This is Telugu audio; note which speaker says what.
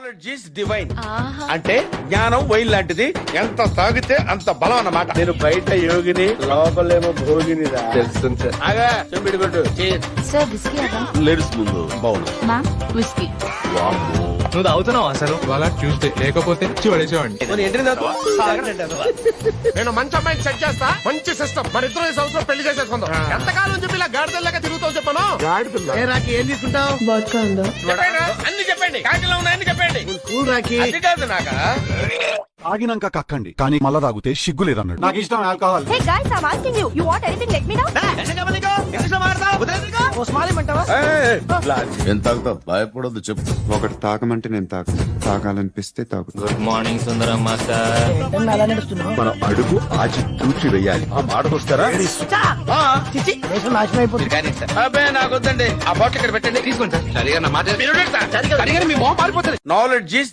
Speaker 1: నాలెడ్జ్ ఈస్ డివైన్ అంటే జ్ఞానం వైన్ లాంటిది, ఎంత తాగితే అంత బలం అన్నమాట.
Speaker 2: నేను బయట యోగిని, లోపలేమో భోగిని. తెలుస్తుంది సార్.
Speaker 1: ఆగా చెంబిడి కొట్టు.
Speaker 3: సార్ విస్కీ అదా?
Speaker 1: లేడీస్ ముందు బాగుంది.
Speaker 3: Ma'am whisky.
Speaker 4: నువ్వు తాగుతున్నావు అసలు వాళ్ళ ట్యూస్డే లేకపోతే పడేసేవాడిని.
Speaker 5: నేను మంచి అమ్మాయిని సెట్ చేస్తా, మంచి సిస్టమ్. మన ఇద్దరు ఈ సంవత్సరం పెళ్లి చేసేసుకుందాం. ఎంతకాలం చెప్పి ఇలా గాడిదల్లాగా తిరుగుతావు చెప్పను.
Speaker 2: ఏం తీసుకుంటావు?
Speaker 1: అన్ని చెప్పండి, కాకిలో ఉన్నాయని చెప్పండి.
Speaker 2: కూల్ రాకి.
Speaker 1: అది కాదు నాకా.
Speaker 6: ఆగినాక కక్కండి, కానీ మళ్ళా తాగితే సిగ్గు లేదన్నాడు. నాకు ఇష్టం alcohol.
Speaker 3: Hey guys, I'm asking you. You want anything? Let me know.
Speaker 1: ఎంత తాగుతావు? భయపడొద్దు, చెప్పు.
Speaker 7: ఒకటి తాగమంటే నేను తాగాలనిపిస్తే తాగుతా.
Speaker 4: Good morning Sundaram master.
Speaker 6: మనం అడుగు ఆచి తూచి వెయ్యాలి.
Speaker 1: ఆ మాటకొస్తారా? అబ్బే నాకొద్దండి, ఆ బాటిల్ ఇక్కడ పెట్టండి. తీసుకోండి సార్. సరిగా నా మాట నాలెడ్జ్ ఈస్